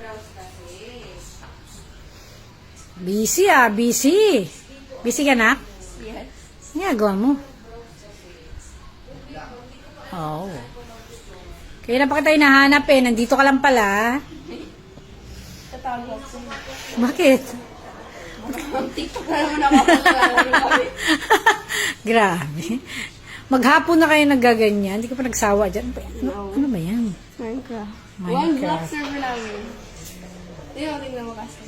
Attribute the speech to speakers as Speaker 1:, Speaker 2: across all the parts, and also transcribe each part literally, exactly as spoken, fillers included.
Speaker 1: Busy ah, busy. Busy ka na?
Speaker 2: Yes.
Speaker 1: Ginagawa mo. Oo. Oh. Kaya na pa kita hinahanap eh. Nandito ka lang pala.
Speaker 2: Tatawag ako sa'yo.
Speaker 1: Bakit?
Speaker 2: TikTok na naman ako. Kami.
Speaker 1: Grabe. Maghapon na kayo nagaganyan. Hindi ka pa nagsawa dyan. Ano, ano ba yan?
Speaker 2: Minecraft. One
Speaker 1: Minecraft.
Speaker 2: block server namin. Tingnan mo, tingnan mo kasi.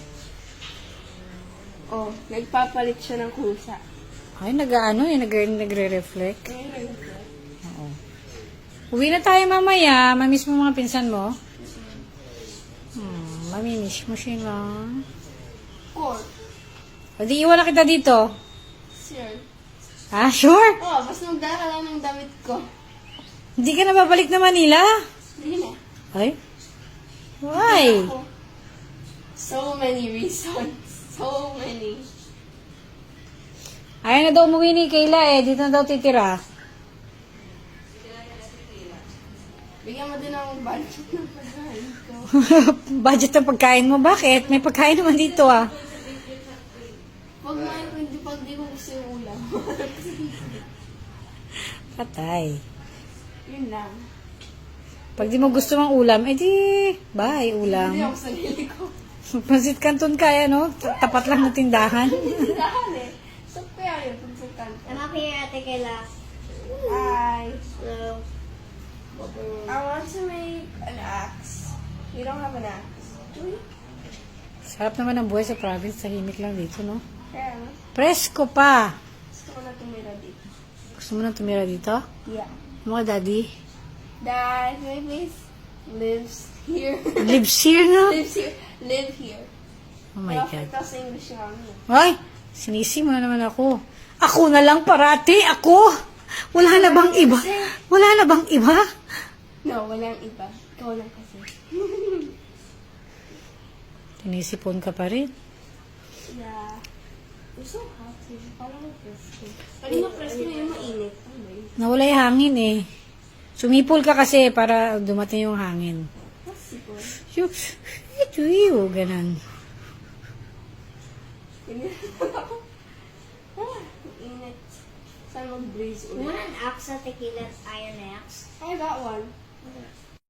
Speaker 2: Oh, nagpapalit siya ng kusa.
Speaker 1: Ay, nag-ano eh. nag- Nagre-reflect.
Speaker 2: Ayun, ayun.
Speaker 1: Oo. Uwi na tayo mamaya. Mamiss mo mga pinsan mo? Hmm, mamimiss mo sila.
Speaker 2: Core.
Speaker 1: O di iwan na kita dito.
Speaker 2: Sure.
Speaker 1: Ah, sure?
Speaker 2: Oh, basta magdala lang ng damit ko.
Speaker 1: Hindi ka na babalik na Manila?
Speaker 2: Hindi na.
Speaker 1: Ay? Why?
Speaker 2: Ako. So many reasons. So many.
Speaker 1: Ayaw na daw umuwi ni Kayla eh. Dito na daw titira.
Speaker 2: Bigyan mo din ang budget ng pagkain ko.
Speaker 1: Budget ng pagkain mo. Bakit? May pagkain naman dito ah.
Speaker 2: Pag may, hindi pag di ko gusto yung ulam.
Speaker 1: Patay.
Speaker 2: Yun lang.
Speaker 1: Pag di mo gusto mang ulam, edi bye
Speaker 2: Hindi
Speaker 1: ulam.
Speaker 2: ako sarili ko.
Speaker 1: Pansit Canton kaya no? Tapat lang ng tindahan.
Speaker 2: Tindahan eh. So kaya yun, pagsultan.
Speaker 3: I'm up here, Ate Kayla.
Speaker 2: Hi.
Speaker 3: Hello.
Speaker 2: I want to make an axe. You don't have an axe. Do you?
Speaker 1: Sarap naman ang buhay sa province. Tahimik lang dito, no?
Speaker 2: Kaya ano?
Speaker 1: Presko pa.
Speaker 2: Gusto ko na tumira dito.
Speaker 1: Gusto mo na tumira dito?
Speaker 2: Yeah.
Speaker 1: Mga daddy?
Speaker 2: Dad, my place lives here.
Speaker 1: Lives here, no?
Speaker 2: lives here. Live here.
Speaker 1: Oh my God.
Speaker 2: Perfect sa English yung ano.
Speaker 1: Ay, sinisi mo na naman ako. Ako na lang parati, ako. Wala na bang iba? Wala na bang iba?
Speaker 2: No, walang iba. Ikaw lang kasi.
Speaker 1: Tinisipon ka pa rin.
Speaker 2: Yeah. You're so hot. Parang presko. Kanina presko na yung mainit. Ano ba yun?
Speaker 1: Nawala yung hangin eh. Sumipol ka kasi para dumating yung hangin.
Speaker 2: Possible.
Speaker 1: Yung, ito yung, ganun.
Speaker 2: Ganyan ako. Ah, mainit. Saan mag-breeze
Speaker 3: You want
Speaker 2: ulit?
Speaker 3: an axe, Ate Kayla? Iron axe?
Speaker 2: I got one.